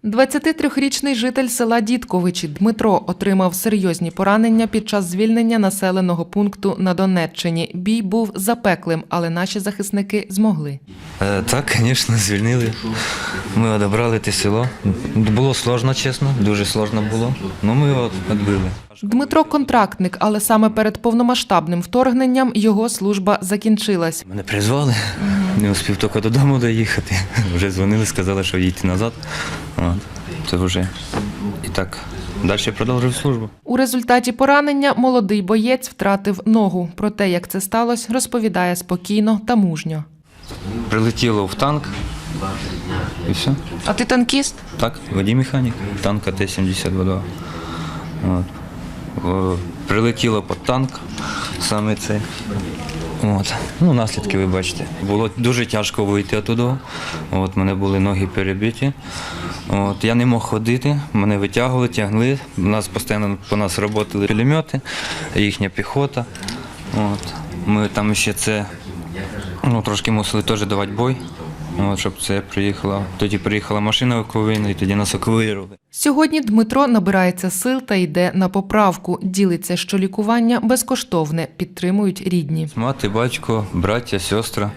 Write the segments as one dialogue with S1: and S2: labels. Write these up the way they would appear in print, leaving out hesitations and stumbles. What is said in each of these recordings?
S1: 23-річний житель села Дідковичі Дмитро отримав серйозні поранення під час звільнення населеного пункту на Донеччині. Бій був запеклим, але наші захисники змогли.
S2: Так, звісно, звільнили. Ми одібрали те село. Було складно, чесно, дуже складно було, але ми його відбили.
S1: Дмитро – контрактник, але саме перед повномасштабним вторгненням його служба закінчилась.
S2: Мене призвали, не успів тільки додому доїхати. Вже дзвонили, сказали, що їдьте назад. Це вже і так. Далі продовжив службу.
S1: У результаті поранення молодий боєць втратив ногу. Про те, як це сталося, розповідає спокійно та мужньо.
S2: Прилетіло в танк і все.
S1: А ти танкіст?
S2: Так, водій-механік, танка Т-72. Прилетіло під танк, саме цей. Наслідки ви бачите. Було дуже тяжко вийти оттуда. У мене були ноги перебиті. Я не мог ходити, мене витягували, тягли. У нас постійно по нас працювали пулемети, їхня піхота. Ми там ще це трошки мусили теж давати бой. Щоб це приїхала. Тоді приїхала машина евакуаційна і тоді нас евакуювали.
S1: Сьогодні Дмитро набирається сил та йде на поправку. Ділиться, що лікування безкоштовне, підтримують рідні.
S2: Мати, батько, браття, сестра.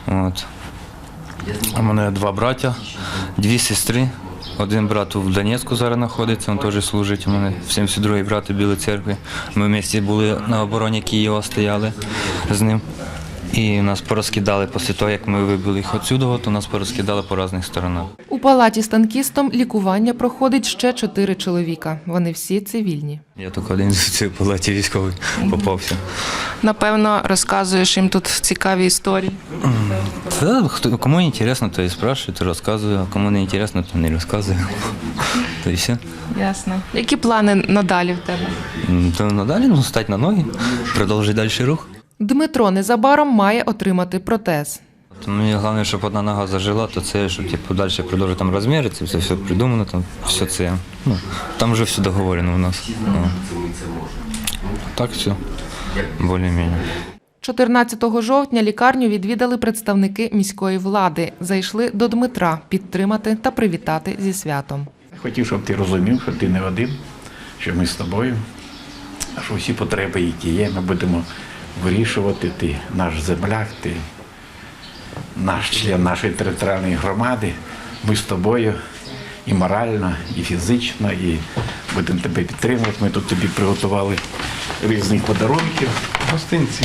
S2: У мене 2 браття, 2 сестри. Один брат в Донецьку зараз знаходиться, він теж служить. У мене 72-й брат у Білій церкві. Ми вместе були на обороні Києва, стояли з ним. І нас порозкидали після того, як ми вибили їх відсюди, то нас порозкидали по різних сторонах.
S1: У палаті з танкістом лікування проходить ще 4 чоловіка. Вони всі цивільні.
S2: Я тільки один з цієї палаті військовий попався.
S1: Напевно, розказуєш їм тут цікаві історії?
S2: Кому цікаво, то і спрашують, то розказую, а кому не цікаво, то не розказую. То і все.
S1: Ясно. Які плани надалі в тебе?
S2: То надалі стати на ноги, продовжити далі рух.
S1: Дмитро незабаром має отримати протез.
S2: Мені головне, щоб одна нога зажила, то це, щоб далі продовжити там розміри, це все придумано, там все це. Там вже все договорено у нас. Так все, більш-менш.
S1: 14 жовтня лікарню відвідали представники міської влади. Зайшли до Дмитра підтримати та привітати зі святом.
S3: Хотів, щоб ти розумів, що ти не один, що ми з тобою, що всі потреби, які є, ми будемо вирішувати. Ти наш земляк, ти наш член нашої територіальної громади. Ми з тобою і морально, і фізично, і будемо тебе підтримувати. Ми тут тобі приготували різних подарунків. Гостинці.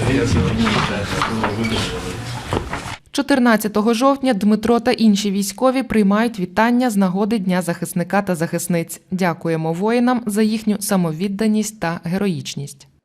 S1: 14 жовтня Дмитро та інші військові приймають вітання з нагоди Дня захисника та захисниць. Дякуємо воїнам за їхню самовідданість та героїчність.